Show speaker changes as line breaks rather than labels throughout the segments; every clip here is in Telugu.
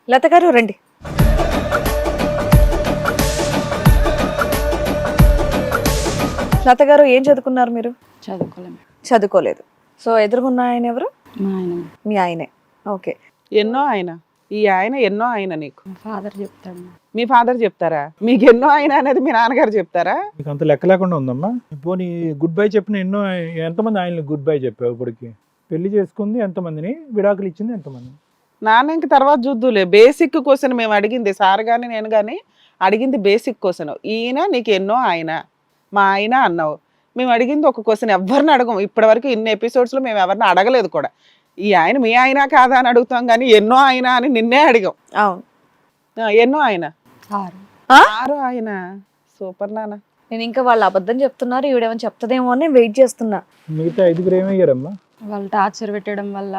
లత గారు రండి. లత గారు ఏం చదువుకున్నారు మీరు?
చదువుకోలేము.
చదువుకోలేదు. సో ఎదురుగున్న ఆయన ఎవరు?
మా ఆయన,
మీ ఆయనే. ఓకే.
ఎన్నో ఆయన, ఈ ఆయన ఎన్నో ఆయన నీకు.
మా ఫాదర్ చెప్తాడు.
మీ ఫాదర్ చెప్తారా? మీకు ఎన్నో ఆయన అనేది మీ నాన్నగారు చెప్తారా?
నీకు అంత లెక్క లేకుండా ఉందమ్మా. పోనీ గుడ్ బై చెప్పిన ఎంతమంది ఆయనకి గుడ్ బై చెప్పావు? ఇప్పటికి పెళ్లి చేసుకుంది ఎంతమందిని, విడాకులు ఇచ్చింది ఎంతమంది?
నాన్న ఇంక తర్వాత చూద్దులే. బేసిక్ క్వశ్చన్ మేము అడిగింది, సార్ కానీ నేను కానీ అడిగింది బేసిక్ క్వశ్చన్. ఈయన నీకు ఎన్నో ఆయన, మా ఆయన అన్నావు. మేము అడిగింది ఒక క్వశ్చన్, ఎవరిని అడగం ఇప్పటివరకు. ఇన్ని ఎపిసోడ్స్లో మేము ఎవరిని అడగలేదు కూడా. ఈ ఆయన మీ ఆయన కాదా అని అడుగుతాం కానీ ఎన్నో ఆయన అని నిన్నే అడిగాం.
అవును.
ఎన్నో ఆయన?
6.
6 ఆయన. సూపర్ నాన్న.
నేను ఇంకా వాళ్ళు అబద్ధం చెప్తున్నారు, ఈవిడేమో చెప్తదేమో అని వెయిట్ చేస్తున్నా.
మిగతా 5 ఏమయ్యారమ్మా?
వాళ్ళు టార్చర్ పెట్టడం వల్ల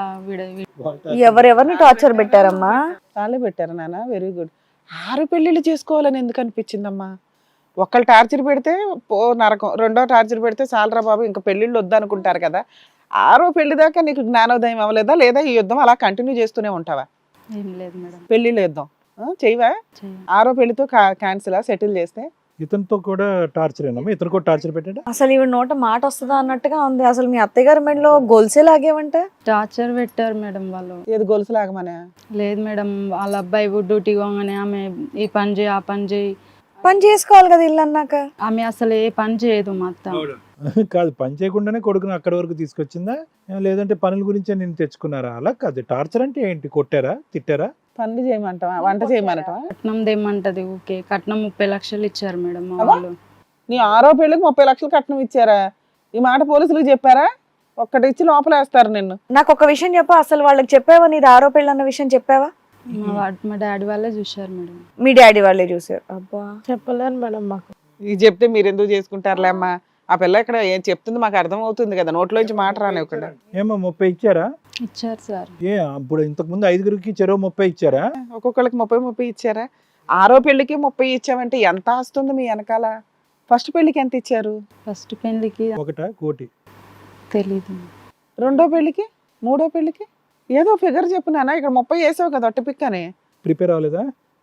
ఎవరెవరిని టార్చర్ పెట్టారమ్మా?
వాళ్ళే పెట్టారు నాన్న. Very good. 6 పెళ్ళిళ్ళు చేసుకోవాలని ఎందుకు అనిపించిందమ్మా? ఒకళ్ళు టార్చర్ పెడితే పో నరకం, రెండో టార్చర్ పెడితే చాలరా బాబు ఇంకా పెళ్ళిళ్ళు వద్దనుకుంటారు కదా. 6వ పెళ్లి దాకా నీకు జ్ఞానోదయం అవ్వలేదా? లేదా ఈ యుద్ధం అలా కంటిన్యూ చేస్తూనే ఉంటావా?
ఏం లేదు మేడం.
పెళ్ళిళ్ళు యుద్ధం చెయ్యవా? 6వ పెళ్లితో క్యాన్సిల్ సెటిల్ చేస్తే?
ఇతనితో కూడా టార్చర్ ఏనమ్మా? ఇతను కూడా టార్చర్ పెట్టాడా?
అసలు ఈవిడ నోట మాట వస్తుందా అన్నట్టుగా ఉంది. అసలు మీ అత్తయ్య గారి మెడలో గొలుసే లాగేవంటే?
టార్చర్ పెట్టారు మేడం వాళ్ళు.
ఏది గొలుసు లాగమనే?
లేదు మేడం, వాళ్ళ అబ్బాయి డ్యూటీ పోగానే ఆమె ఈ పని చేయి ఆ పని చేయి.
పని చేసుకోవాలి కదా ఇల్లు అన్నాక.
ఆమె అసలు ఏ పని చేయదు మా అత్త.
కాదు, పని చేయకుండానే కొడుకుని అక్కడి వరకు తీసుకొచ్చిందా? లేదంటే పనుల గురించే నేను తెచ్చుకున్నారా? అలా కాదు. టార్చర్ అంటే ఏంటి? కొట్టారా, తిట్టారా?
పనులు చేయమంటావా, వంట చేయమంటావా?
కట్నం దేమంటది. ఓకే, కట్నం 30 లక్షలు ఇచ్చారు మేడం మా వాళ్ళు.
నీ 6వ పెళ్లికి 30 లక్షలు కట్నం ఇచ్చారా? ఈ మాట పోలీసులకు చెప్పారా? ఒక్కటి ఇచ్చి లోపలేస్తారు నిన్ను.
నాకు ఒక విషయం చెప్పు, అసలు వాళ్ళకి చెప్పావా నీది 6వ పెళ్ళి అన్న విషయం చెప్పావా?
మా డాడీ వాళ్ళే చూశారు మేడం.
మీ డాడీ వాళ్ళే చూసారు? అబ్బా,
చెప్పలేను మేడం మాకు.
ఇది చెప్తే మీరు ఎందుకు చేసుకుంటారులే అమ్మా. ఆ పిల్ల ఇక్కడ ఏం చెప్తుంది మాకు అర్థం అవుతుంది కదా, నోట్లోంచి మాట రానివ్వకుండా.
ఏమో 30 ఇచ్చారా?
ఇచ్చారు సార్.
అప్పుడు ఇంతకు ముందు 5 చెరో 30 ఇచ్చారా?
ఒక్కొక్కరికి 30 ఇచ్చారా? 6వ పెళ్లికి 30 ఇచ్చామంటే ఎంత ఆస్తుంది మీ వెనకాల? ఫస్ట్ పెళ్లికి ఎంత ఇచ్చారు?
ఫస్ట్ పెళ్లికి
1 కోటి
తెలీదు.
2వ పెళ్లికి, 3వ పెళ్లికి ఏదో ఫిగర్ చెప్పు నాన్న. ఇక్కడ 30 వేసావు కదా ఒట్టి పిక్కని.
ప్రిపేర్ అవ్వలేదా?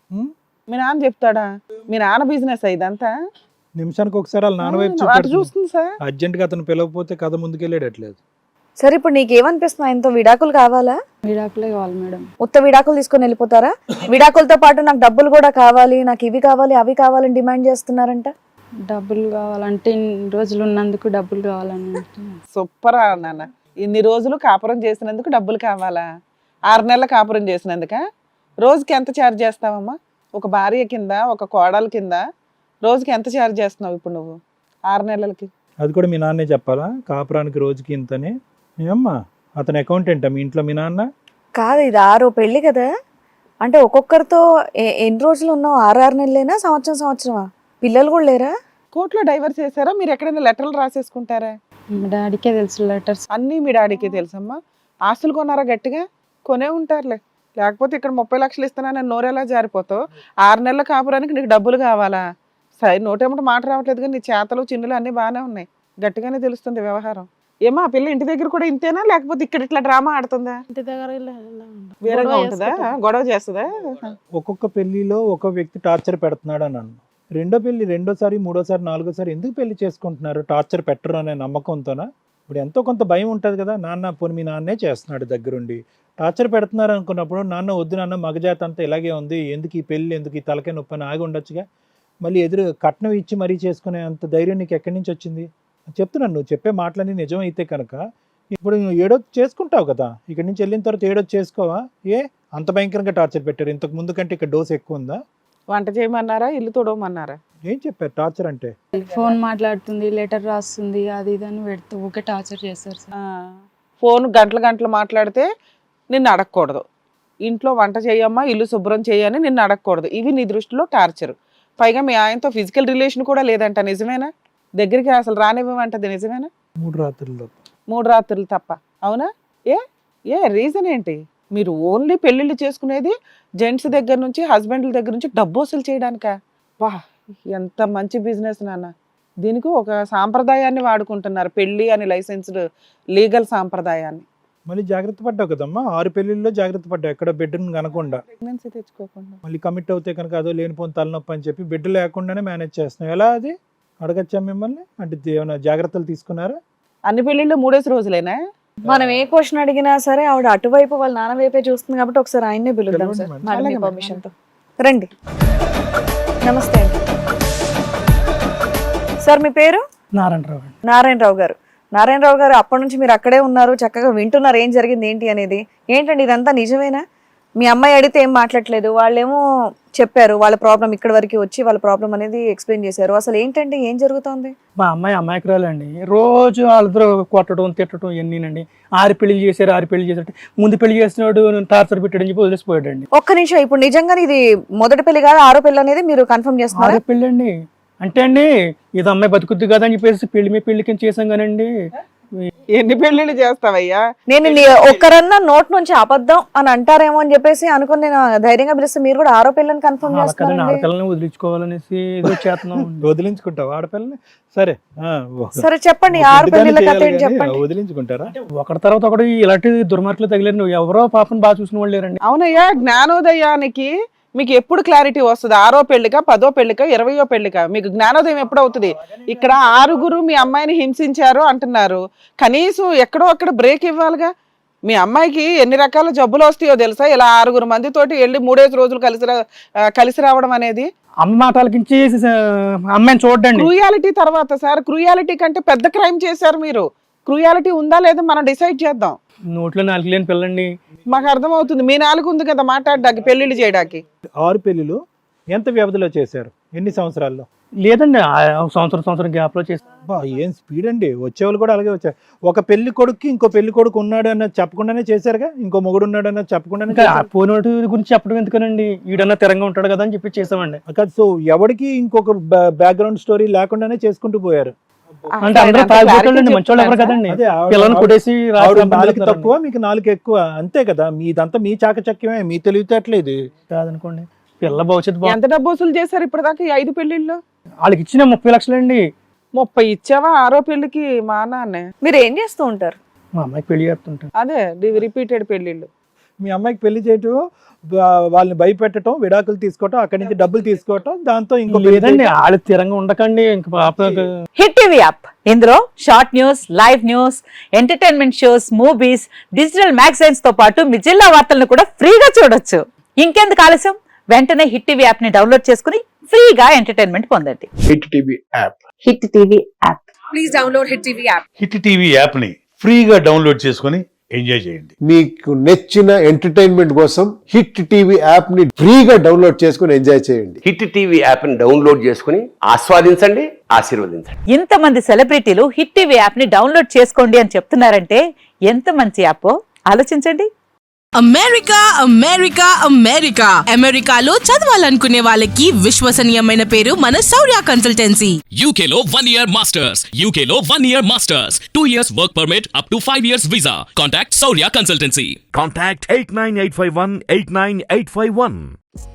మీ నాన్న చెప్తాడా? మీ నాన్న బిజినెస్ ఇదంతా?
నిమిషానికి ఒకసారి వాళ్ళ నాన్న వైపు
అటు చూస్తుంది సార్.
అర్జెంట్ గా అతను పిలవకపోతే కథ ముందుకెళ్ళేటట్లేదు.
సరే ఇప్పుడు నీకేమనిపిస్తుంది? ఆయనతో విడాకులు కావాలా?
విడాకులే కావాలి మేడం.
ఉత్త విడాకులు తీసుకొని వెళ్ళిపోతారా? విడాకులతో పాటు నాకు డబ్బులు కూడా కావాలి, నాకు ఇవి కావాలి అవి కావాలని డిమాండ్ చేస్తున్నారంట.
డబ్బులు కావాలంటే ఇన్ని రోజులు ఉన్నందుకు డబ్బులు కావాలని.
సూపర్ నాన్న. ఇన్ని రోజులు కాపురం చేసినందుకు డబ్బులు కావాలా? 6 నెలల కాపురం చేసినందుక రోజుకి ఎంత ఛార్జ్ చేస్తావమ్మా? ఒక భార్య కింద, ఒక కోడల కింద రోజుకి ఎంత ఛార్జ్ చేస్తున్నావు ఇప్పుడు నువ్వు 6 నెలలకి?
అది కూడా మీ నాన్నే చెప్పాలా? కాపురానికి రోజుకి ఇంతని. ఏమ్మా, అతను అకౌంటెంటా మీ ఇంట్లో మీ నాన్న?
కాదు, ఇది 6వ పెళ్లి కదా. అంటే ఒక్కొక్కరితో ఎన్ని రోజులు ఉన్నావు? 6 నెలలేనా, సంవత్సరమా? పిల్లలు కూడా లేరా?
కోర్టులో డైవర్స్ చేశారా? మీరు ఎక్కడైనా లెటర్లు రాసేసుకుంటారా?
మా డాడీకే తెలుసు లెటర్స్
అన్నీ మీ డాడీకి తెలుసమ్మా. ఆస్తులు కొన్నారా? గట్టిగా కొనే ఉంటారులే. లేకపోతే ఇక్కడ 30 లక్షలు ఇస్తున్నానని నోరెలా జారిపోతావు? 6 నెలల కాపురానికి నీకు డబ్బులు కావాలా? సరే, నోటేమిటి మాట రావట్లేదు కానీ నీ చేతలు చిన్నులు అన్నీ బాగానే ఉన్నాయి. గట్టిగానే తెలుస్తుంది వ్యవహారం. ఏమో ఆ పిల్ల ఇంటి దగ్గర కూడా ఇంతేనా, లేకపోతే ఇక్కడ ఇట్లా డ్రామా ఆడుతుందా?
ఇంటి దగ్గర
వేరేగా ఉంటుందా? గొడవ చేస్తుందా?
ఒక్కొక్క పెళ్లిలో ఒక్కొక్క వ్యక్తి టార్చర్ పెడుతున్నాడు అని అన్నాను. రెండో పెళ్లి, రెండోసారి, మూడోసారి, 4వసారి ఎందుకు పెళ్లి చేసుకుంటున్నారు? టార్చర్ పెట్టరు అనే నమ్మకంతోనా? ఇప్పుడు ఎంతో కొంత భయం ఉంటుంది కదా. నాన్న పోనీ మీ నాన్నే చేస్తున్నాడు దగ్గరుండి, టార్చర్ పెడుతున్నారు అనుకున్నప్పుడు నాన్న వద్దు నాన్న, మగజాత అంతా ఇలాగే ఉంది, ఎందుకు ఈ పెళ్ళి, ఎందుకు ఈ తలకే నొప్పి అని ఆగి ఉండొచ్చుగా. మళ్ళీ ఎదురు కట్నం ఇచ్చి మరీ చేసుకునే అంత ధైర్యం నీకు ఎక్కడి నుంచి వచ్చింది? చెప్తున్నాను, నువ్వు చెప్పే మాటలన్నీ నిజం అయితే కనుక ఇప్పుడు నువ్వు ఏడో చేసుకుంటావు కదా. ఇక్కడి నుంచి వెళ్ళిన తర్వాత ఏడో చేసుకోవా? అంత భయంకరంగా టార్చర్ పెట్టారు? ఇంతకు ముందు కంటే ఇక్కడ డోస్ ఎక్కువ ఉందా?
వంట చేయమన్నారా? ఇల్లు తోడమన్నారా?
ఏం చెప్పారు టార్చర్ అంటే?
ఫోన్ మాట్లాడుతుంది, లెటర్ రాస్తుంది, అది ఇది అని పెడుతూ ఊకే టార్చర్ చేస్తారు సార్.
ఫోన్ గంటలు మాట్లాడితే నిన్ను అడగకూడదు. ఇంట్లో వంట చేయమ్మా, ఇల్లు శుభ్రం చేయని నిన్ను అడగకూడదు. ఇవి నీ దృష్టిలో టార్చర్. పైగా మీ ఆయనతో ఫిజికల్ రిలేషన్ కూడా లేదంట, నిజమేనా? దగ్గరికి అసలు రానివ్వమంటది, నిజమేనా?
3 రాత్రుల్లో
3 రాత్రులు తప్ప, అవునా? ఏ రీజన్ ఏంటి? మీరు ఓన్లీ పెళ్ళిళ్ళు చేసుకునేది జెంట్స్ దగ్గర నుంచి, హస్బెండ్ల దగ్గర నుంచి డబ్బు వసూలు చేయడానికా? వా, ఎంత మంచి బిజినెస్ నాన్న. దీనికి ఒక సాంప్రదాయాన్ని వాడుకుంటున్నారు, పెళ్ళి అని లైసెన్స్డ్ లీగల్ సాంప్రదాయాన్ని.
మళ్ళీ జాగ్రత్త పడ్డావు కదమ్మా, 6 పెళ్లిళ్ళలో జాగ్రత్త పడ్డావు, ఎక్కడ బిడ్డను కనకుండా.
ప్రెగ్నెన్సీ తెచ్చుకోకుండా
మళ్ళీ కమిట్ అవుతే కనుక అదో లేనిపోని తలనొప్పి అని చెప్పి బిడ్డ లేకుండానే మేనేజ్ చేస్తున్నావు. ఎలా అది అడగచ్చా మిమ్మల్ని? అంటే ఏమైనా జాగ్రత్తలు తీసుకున్నారా?
అన్ని పెళ్లిళ్ళు 3 రోజులేనా?
మనం ఏ క్వశ్చన్ అడిగినా సరే ఆవిడ అటువైపు వాళ్ళ నాన్న వైపే చూస్తుంది కాబట్టి ఒకసారి ఆయన్నే పిలుద్దాం సార్,
పిలవండి
మేడం మీ
అలాగే
పర్మిషన్ తో. రండి. నమస్తే అండి సార్, మీ పేరు?
నారాయణరావు అండి.
నారాయణరావు గారు. నారాయణరావు గారు, అప్పటి నుంచి మీరు అక్కడే ఉన్నారు, చక్కగా వింటున్నారు ఏం జరిగింది ఏంటి అనేది. ఏంటండి ఇదంతా నిజమేనా? మీ అమ్మాయి అడిగితే ఏం మాట్లాడలేదు, వాళ్ళేమో చెప్పారు వాళ్ళ ప్రాబ్లం, ఇక్కడ వరకు వచ్చి వాళ్ళ ప్రాబ్లం అనేది ఎక్స్ప్లెయిన్ చేశారు. అసలు ఏంటండి, ఏం జరుగుతోంది?
మా అమ్మాయి అమాయకురాలండి. రోజు వాళ్ళిద్దరూ కొట్టడం తిట్టడం ఇవన్నీనండి. 6 పెళ్లి చేశారు. ముందు పెళ్లి చేసినాడు టార్చర్ పెట్టాడని చెప్పి వదిలేసిపోయాడండి.
ఒక్క నిమిషం, ఇప్పుడు నిజంగానే ఇది మొదటి పెళ్లి కాదు 6వ పెళ్లి అనేది మీరు కన్ఫర్మ్ చేస్తున్నారు?
6 పెళ్ళి అండి. అంటే అండి ఇది అమ్మాయి బతుకుద్ది కదా అని చెప్పేసి పెళ్లికి చేసాం కానండి.
ఎన్ని పెళ్లిళ్ళు చేస్తావయ్యా?
నేను ఒక్కరన్నా నోట్ నుంచి అబద్ధం అని అంటారేమో అని చెప్పేసి అనుకుని నేను ధైర్యంగా పిలిస్తే మీరు కూడా 6వ పెళ్ళని కన్ఫర్మ్ చేస్తున్నారు.
ఆడపిల్లని వదిలించుకోవాలనేసి ఏదో చేస్తున్నాం.
వదిలించుకుంటావు ఆడపిల్లని? సరే
సరే చెప్పండి, 6 పెళ్లిళ్ళ కథ ఏంటి చెప్పండి.
వదిలించుకుంటారా?
ఒకటి తర్వాత ఒకటి ఇలాంటి దుర్మార్గులు తగిలేరు. నువ్వు ఎవరో పాపం బాగా చూసిన వాళ్ళు లేరండి.
అవునయ్యా, జ్ఞానోదయానికి మీకు ఎప్పుడు క్లారిటీ వస్తుంది? 6వ పెళ్లికా, 10వ పెళ్లికా, 20వ పెళ్లికా? మీకు జ్ఞానోదయం ఎప్పుడు అవుతుంది? ఇక్కడ 6 మీ అమ్మాయిని హింసించారు అంటున్నారు, కనీసం ఎక్కడో అక్కడ బ్రేక్ ఇవ్వాలిగా. మీ అమ్మాయికి ఎన్ని రకాల జబ్బులు వస్తాయో తెలుసా? ఇలా 6 మందితోటి వెళ్ళి 3 రోజులు కలిసి రావడం అనేది.
అమ్మ మాటలకించి అమ్మాయిని చూడండి.
క్రూయాలిటీ తర్వాత సార్, క్రూయాలిటీ కంటే పెద్ద క్రైమ్ చేశారు మీరు. క్రూయాలిటీ ఉందా లేదా మనం డిసైడ్ చేద్దాం.
నోట్లో 4 లేని పిల్లండి.
మాకు అర్థమవుతుంది, మీ 4 ఉంది కదా మాట్లాడడానికి, పెళ్లిళ్ళు చేయడానికి.
6 పెళ్లిలు ఎంత వ్యవధిలో చేశారు? ఎన్ని సంవత్సరాల్లో?
లేదండి, సంవత్సరం గ్యాప్ లో చేస్తాం.
ఏం స్పీడ్ అండి! వచ్చేవాళ్ళు కూడా అలాగే వచ్చారు. ఒక పెళ్లి కొడుక్కి ఇంకో పెళ్లి కొడుకు ఉన్నాడు అన్నది చెప్పకుండానే చేశారుగా, ఇంకో మొగుడు ఉన్నాడు అన్నది చెప్పకుండానే.
పోయినోటి గురించి చెప్పడం ఎందుకనండి, ఈడన్నా తిరంగా ఉంటాడు కదా అని చెప్పి చేసామండి.
సో ఎవరికి ఇంకొక బ్యాక్గ్రౌండ్ స్టోరీ లేకుండానే చేసుకుంటూ పోయారు.
అంటే అందరూ తాగిపోతాడండి, మంచోళ్ళు ఎవరు కదండి. పిల్లల్ని కొట్టేసి
తక్కువ, మీకు 4 ఎక్కువ, అంతే కదా. మీదంతా మీ చాకచక్యమే, మీ తెలివితేటలేదు
కాదనుకోండి. పిల్ల భవిష్యత్తు
ఎంత డబ్బు వసూలు చేశారు ఇప్పటిదాకా ఈ 5 పెళ్లిళ్ళు?
వాళ్ళకి ఇచ్చిన 30 లక్షలండి.
30 ఇచ్చావా 6వ పెళ్లికి? మా నాన్నే.
మీరు ఏం చేస్తూ ఉంటారు?
మా అమ్మాయికి పెళ్లి చేస్తుంటాను.
అదే రిపీటెడ్ పెళ్లిళ్ళు.
మీ అమ్మాయికి పెళ్లి చేయటం, వాళ్ళని భయపెట్టడం, విడాకులు తీసుకోవటం, అక్కడి నుంచి డబ్బులు తీసుకోవటం, దాంతో ఇంకో
లేదండి. వాళ్ళు తిరంగా ఉండకండి. ఇంక పాప
హిట్ టీవీ యాప్, ఇందులో short news, live news, entertainment shows, movies, digital magazines తో పాటు మీ జిల్లా వార్తలను కూడా ఫ్రీగా చూడొచ్చు. ఇంకెందుకు ఆలస్యం, వెంటనే హిట్ టీవీ యాప్ ని డౌన్లోడ్ చేసుకుని ఫ్రీగా ఎంటర్టైన్మెంట్ పొందండి.
Hit TV app.
Hit TV app.
Please download hit TV app.
Hit TV app ని ఫ్రీగా డౌన్లోడ్ చేసుకుని ఎంజాయ్ చేయండి.
మీకు నచ్చిన ఎంటర్టైన్మెంట్ కోసం హిట్ టీవీ యాప్ ని ఫ్రీగా డౌన్లోడ్ చేసుకుని ఎంజాయ్ చేయండి.
హిట్ టీవీ యాప్ ని డౌన్లోడ్ చేసుకుని ఆస్వాదించండి, ఆశీర్వదించండి.
ఇంతమంది సెలబ్రిటీలు హిట్ టీవీ యాప్ ని డౌన్లోడ్ చేసుకోండి అని చెప్తున్నారంటే ఎంత మంచి యాప్ ఆలోచించండి.
అమెరికాలో చదవాలనుకునే వాళ్ళకి విశ్వసనీయమైన పేరు మన శౌర్య కన్సల్టెన్సీ.
UKలో 1 year masters. 2 years work permit up to 5 years visa. Contact Saurya Consultancy.
Contact 89851 89851.